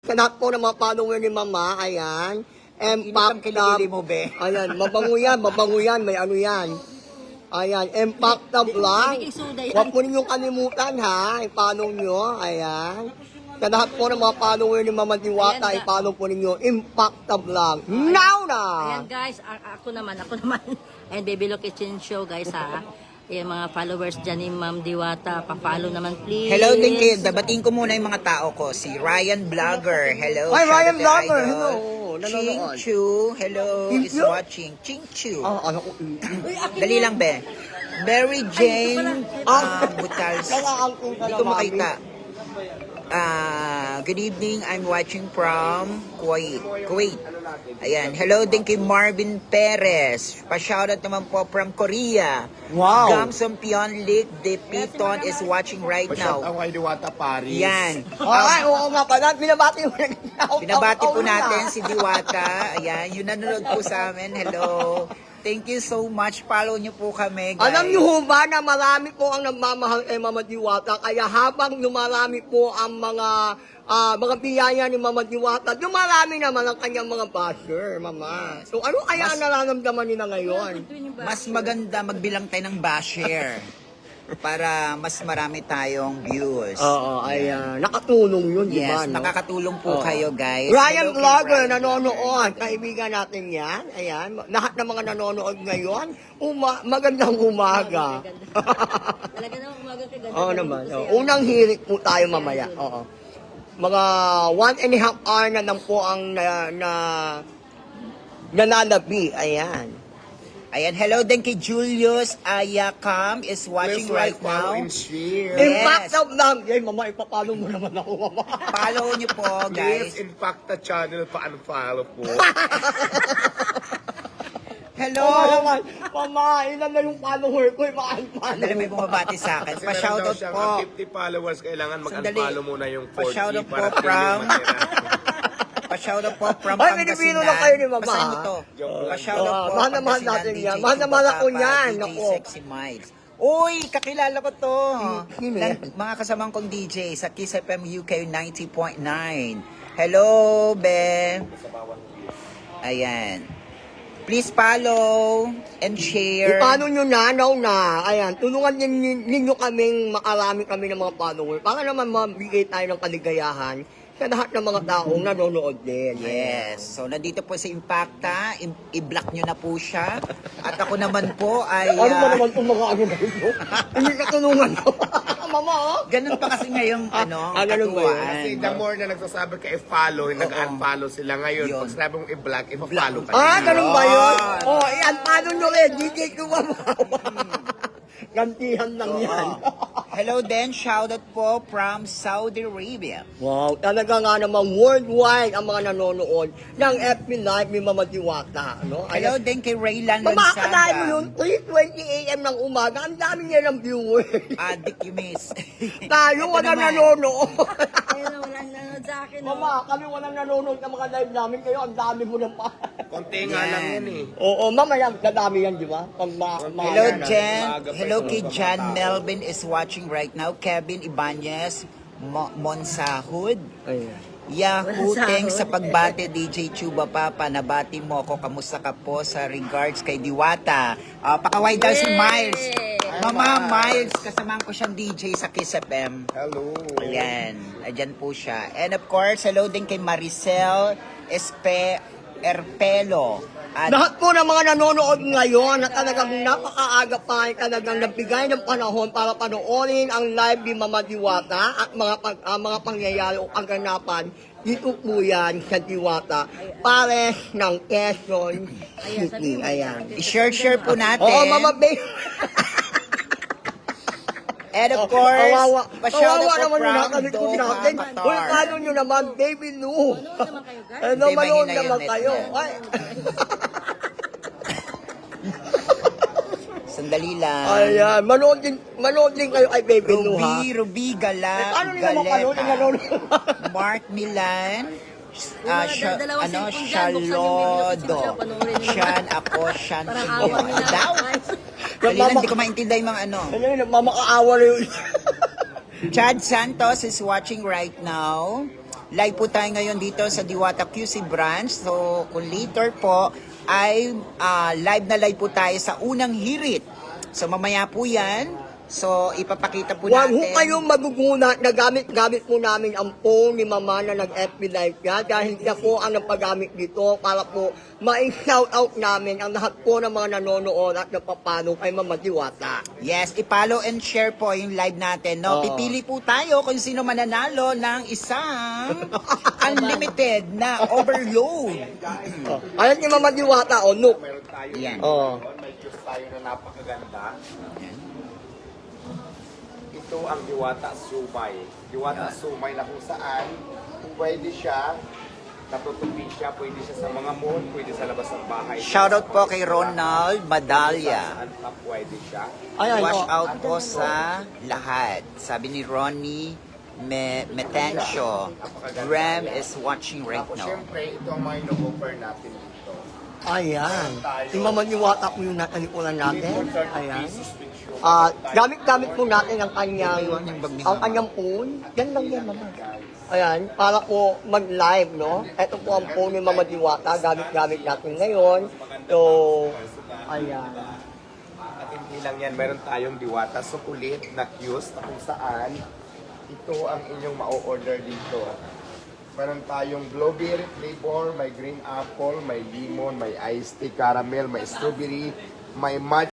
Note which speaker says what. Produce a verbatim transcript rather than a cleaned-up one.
Speaker 1: Sa lahat po ng mga follower ni Mama, ayan.
Speaker 2: Init ang
Speaker 1: Impact
Speaker 2: kilikili mo, be.
Speaker 1: Ayan, mabango yan, mabango yan, may ano yan. Ayan, Impact na vlog. Huwag po ninyong kalimutan ha, i-follow nyo, ayan. Sa lahat po ng mga follower ni Mama Diwata,
Speaker 3: Ayan,
Speaker 1: i-follow po ninyo, Impact na vlog. Now na!
Speaker 3: Ayan guys, a- ako naman, ako naman. And Baby Lo Kitchen Show guys ha. Yung mga followers dyan ni Ma'am Diwata, pa-follow naman please.
Speaker 2: Hello din kayo. Dabating ko muna yung mga tao ko. Si Ryan Vlogger. Hello.
Speaker 1: Hi,
Speaker 2: shout
Speaker 1: Ryan
Speaker 2: out to
Speaker 1: Vlogger.
Speaker 2: Idol.
Speaker 1: Hello.
Speaker 2: Ching
Speaker 1: Nanonood.
Speaker 2: Chu. Hello.
Speaker 1: Ching
Speaker 2: Is
Speaker 1: Chu?
Speaker 2: watching. Ching Chu.
Speaker 1: Ah, ano ko?
Speaker 2: Dali lang, be. Mary Jane
Speaker 1: Ah.
Speaker 2: um, Butals.
Speaker 1: Nakaangkong ka
Speaker 2: Hindi
Speaker 1: na,
Speaker 2: ko
Speaker 1: Mami.
Speaker 2: makita. Ah, good evening. I'm watching from Kuwait. Kuwait. Ayan. Hello din kay Marvin Perez. Pa-shoutout naman po from Korea.
Speaker 1: Wow.
Speaker 2: Gamson Pionlik de Piton is watching right
Speaker 4: Shout
Speaker 2: now.
Speaker 4: out kay Diwata Paris.
Speaker 2: Yan.
Speaker 1: Ay, oo nga pala, binabati mo na.
Speaker 2: Binabati po natin si Diwata. Ayan, yung nanonood po sa amin. Hello. Thank you so much. Follow niyo po kami, guys.
Speaker 1: Alam niyo ho ba na marami po ang nagmamahal kay Mama Diwata, kaya habang lumarami po ang mga ah, mga biyaya ni Mama Diwata, dumarami naman ang kanyang mga basher, Mama. So ano kaya ang nararamdaman nila ngayon?
Speaker 2: Mas maganda magbilang tayo ng basher para mas marami tayong views.
Speaker 1: Oo, ayan. Nakatulong yun, di ba?
Speaker 2: Yes,
Speaker 1: no?
Speaker 2: nakakatulong po
Speaker 1: Oo.
Speaker 2: kayo, guys.
Speaker 1: Ryan
Speaker 2: Hello kay
Speaker 1: Vlogger,
Speaker 2: Ryan
Speaker 1: nanonood. Kaibigan natin yan. Ayan. Lahat ng mga nanonood ngayon, uma magandang umaga.
Speaker 3: Talaga naman umaga kay ganda.
Speaker 1: Oo naman. Oo. Unang hirit po tayo mamaya. Oo. Mga one and a half hour na lang po ang na, na nanalabi. Ayan.
Speaker 2: Ayan, hello din kay Julius Ayakam is watching
Speaker 4: Please
Speaker 2: right
Speaker 4: like, follow,
Speaker 2: now.
Speaker 4: and share.
Speaker 2: Yes.
Speaker 1: Impact of lang. Yay, mama, ipapalo mo naman ako, mama.
Speaker 2: Follow niyo po,
Speaker 4: Please,
Speaker 2: guys.
Speaker 4: impact the channel pa-unfollow po.
Speaker 2: Hello.
Speaker 1: Oo naman. Mama, ilan na yung follower ko, ipaan-palo.
Speaker 2: Dali may bumabati sa akin.
Speaker 4: Kasi meron daw
Speaker 2: Pa-shoutout
Speaker 4: siyang
Speaker 2: po.
Speaker 4: fifty followers, kailangan
Speaker 2: Sandali.
Speaker 4: mag-unfollow muna yung forty
Speaker 2: Pa-shoutout po
Speaker 4: para
Speaker 2: from-
Speaker 4: feeling matira.
Speaker 2: Pa-shoutout po from
Speaker 1: Ay,
Speaker 2: Pangasinan.
Speaker 1: Pilipino lang kayo ni Mama,
Speaker 2: Basahin mo
Speaker 1: ha?
Speaker 2: to.
Speaker 4: Joke lang.
Speaker 2: Pa-shoutout
Speaker 1: Oo,
Speaker 2: po.
Speaker 1: mahal na mahal
Speaker 2: Pangasinan,
Speaker 1: natin
Speaker 2: D J
Speaker 1: yan. Mahal na mahal ako
Speaker 2: Chubapapa,
Speaker 1: yan.
Speaker 2: D J
Speaker 1: Naku.
Speaker 2: Sexy Miles. Uy, kakilala ko to.
Speaker 1: Sino
Speaker 2: Nan-
Speaker 1: yan?
Speaker 2: Mga kasamang kong D J sa Kiss F M U K ninety point nine. Hello, Be. Ayan. Please follow and share.
Speaker 1: Paano nyo na, now na, ayan, tulungan ninyo, ninyo kaming makarami kami ng mga follower para naman mabigay tayo ng kaligayahan sa lahat ng mga taong nanonood din.
Speaker 2: Yes. So, nandito po si Impacta. I- I-block nyo na po siya. At ako naman po ay...
Speaker 1: Ano ba
Speaker 2: ah,
Speaker 1: naman itong mga ano na ito? Hindi ka tulungan ko. Mama, oh.
Speaker 2: ganun pa kasi ngayong ano,
Speaker 1: ah, ganun ba yun?
Speaker 2: katuwaan.
Speaker 4: Kasi the more na nagsasabi ka i-follow, nag-unfollow sila ngayon.
Speaker 2: Yun.
Speaker 4: Pag sinabi mong i-block, i-follow ka.
Speaker 1: Ah,
Speaker 4: nila.
Speaker 1: ganun ba yun? Oh, iyan, paano nyo rin? D J ko ba? Gantihan lang yan.
Speaker 2: Hello then, shoutout po from Saudi Arabia.
Speaker 1: Wow, talaga nga namang worldwide ang mga nanonood ng F B Live ni Mama Diwata. No?
Speaker 2: Hello din kay Raylan
Speaker 1: Mamakalain mo
Speaker 2: Lonsaga.
Speaker 1: yun, three twenty a m ng umaga, ang dami niya ng viewers.
Speaker 2: Adik you miss.
Speaker 1: Tayo,
Speaker 2: Ito
Speaker 1: walang
Speaker 2: naman.
Speaker 1: nanonood.
Speaker 3: Ayun na, walang nanonood sa akin. no?
Speaker 1: Mama, kami walang nanonood ng mga live namin, kayo ang dami mo ng pa.
Speaker 4: Konti nga lang yan eh.
Speaker 1: Oo, mamaya, dadami yan, di ba? Pag ma ma-
Speaker 2: Hello
Speaker 1: na-
Speaker 2: Jen.
Speaker 4: Maaga pa
Speaker 2: Hello
Speaker 4: yung
Speaker 2: kay
Speaker 4: mga
Speaker 2: Jan
Speaker 4: tao.
Speaker 2: Melvin is watching right now. Kevin Ibanez Mo- Monsahud.
Speaker 1: Ayun.
Speaker 2: Yahoo,
Speaker 3: Monsahud.
Speaker 2: thanks sa pagbate D J Chuba Papa. Nabati mo ako. Kamusta ka po sa regards kay Diwata? Uh, pakaway daw si
Speaker 3: Yay!
Speaker 2: Miles. Mama Miles, kasamahan ko siyang D J sa Kiss F M.
Speaker 4: Hello.
Speaker 2: Ayan, ayan po siya. And of course, hello din kay Maricel Espe Erpelo. At
Speaker 1: Lahat po ng mga nanonood ngayon na talagang napakaaga pa ay talagang nagbigay ng panahon para panoorin ang live ni Mama Diwata at mga pag, ah, mga pangyayari o kaganapan dito po yan sa Diwata Pares ng Quezon City. Ayan.
Speaker 2: i-share-share po natin.
Speaker 1: Oo, Mama Bay.
Speaker 2: And of course,
Speaker 1: kawawa,
Speaker 2: pa-shoutout
Speaker 1: kawawa
Speaker 2: po
Speaker 1: naman yung
Speaker 2: from
Speaker 1: nakalikod
Speaker 2: Doha,
Speaker 1: natin.
Speaker 2: Qatar.
Speaker 1: Uy, paano nyo naman, Baby Lou?
Speaker 3: Manood naman kayo, guys.
Speaker 1: Ano,
Speaker 2: Hindi,
Speaker 1: manood
Speaker 2: mahina yung
Speaker 1: naman
Speaker 2: net
Speaker 1: kayo.
Speaker 2: niya.
Speaker 1: Ay.
Speaker 2: Sandali lang.
Speaker 1: Ayan, manood din, manood din kayo kay Baby Lou, ha?
Speaker 2: Ruby, Ruby Gala,
Speaker 1: Eh, paano nila mapanood yung nanonood?
Speaker 2: Mark Milan,
Speaker 3: Yung
Speaker 2: ah,
Speaker 3: mga
Speaker 2: Sha-
Speaker 3: dalawang
Speaker 2: ano,
Speaker 3: cellphone dyan, buksan yung video
Speaker 2: Shalodo.
Speaker 3: kasi panoorin nyo.
Speaker 2: Shan, ako, Shan,
Speaker 3: Parang
Speaker 2: Sibo.
Speaker 3: awa nila.
Speaker 2: Ano daw? Dali lang, hindi ko maintindihan yung mga ano.
Speaker 1: Ano yun, mamakaawa na yun.
Speaker 2: Chad Santos is watching right now. live po tayo ngayon dito sa Diwata Q C branch. So, kung later po, ay ah, live na live po tayo sa unang hirit. So, mamaya po yan. So, ipapakita po
Speaker 1: Huwag ho
Speaker 2: natin.
Speaker 1: kayong maguguna na gamit-gamit po namin ang phone ni Mama na nag-F B Live yan dahil siya po ang nagpagamit dito para po ma-shoutout namin ang lahat po ng mga nanonood at napapalo kay Mama Diwata.
Speaker 2: Yes, i-follow and share po yung live natin. No?
Speaker 1: Oo.
Speaker 2: Pipili po tayo kung sino mananalo ng isang unlimited na overload.
Speaker 1: Oh. Ayan si Mama Diwata, o, look.
Speaker 4: Meron tayo.
Speaker 2: Yan.
Speaker 1: Oh.
Speaker 4: May juice tayo na napakaganda.
Speaker 2: Yan.
Speaker 4: Ito ang Diwata Sumay. Diwata Sumay na kung saan pwede siya, natutupi siya, pwede siya sa mga mall, pwede sa labas ng bahay.
Speaker 2: Shoutout po kay Ronald Madalya.
Speaker 4: Saan pa pwede siya.
Speaker 1: Ayan,
Speaker 2: Wash
Speaker 1: oh.
Speaker 2: out po sa lahat. Sabi ni Ronnie Me Metencio. Ram is watching right
Speaker 4: Tapos
Speaker 2: now.
Speaker 4: syempre, ito ang mga ino-offer natin dito.
Speaker 1: Ayan. Si Mama Diwata po yung natalikuran natin.
Speaker 4: thirty
Speaker 1: Ayan.
Speaker 4: pesos with you.
Speaker 1: Ah, gamit-gamit po natin ang kanyang
Speaker 2: Iwan yung bag ni
Speaker 1: ang
Speaker 2: Mama.
Speaker 1: kanyang phone. Yan lang yan, Mama. Ayan, para po mag-live, no? Ito po ang phone ni Mama Diwata, gamit-gamit natin ngayon. So, ayan.
Speaker 4: At hindi lang yan, meron tayong Diwata Sukulit na Q's na kung saan ito ang inyong ma-order dito. Meron tayong blueberry flavor, may green apple, may lemon, may iced tea caramel, may strawberry, may matcha.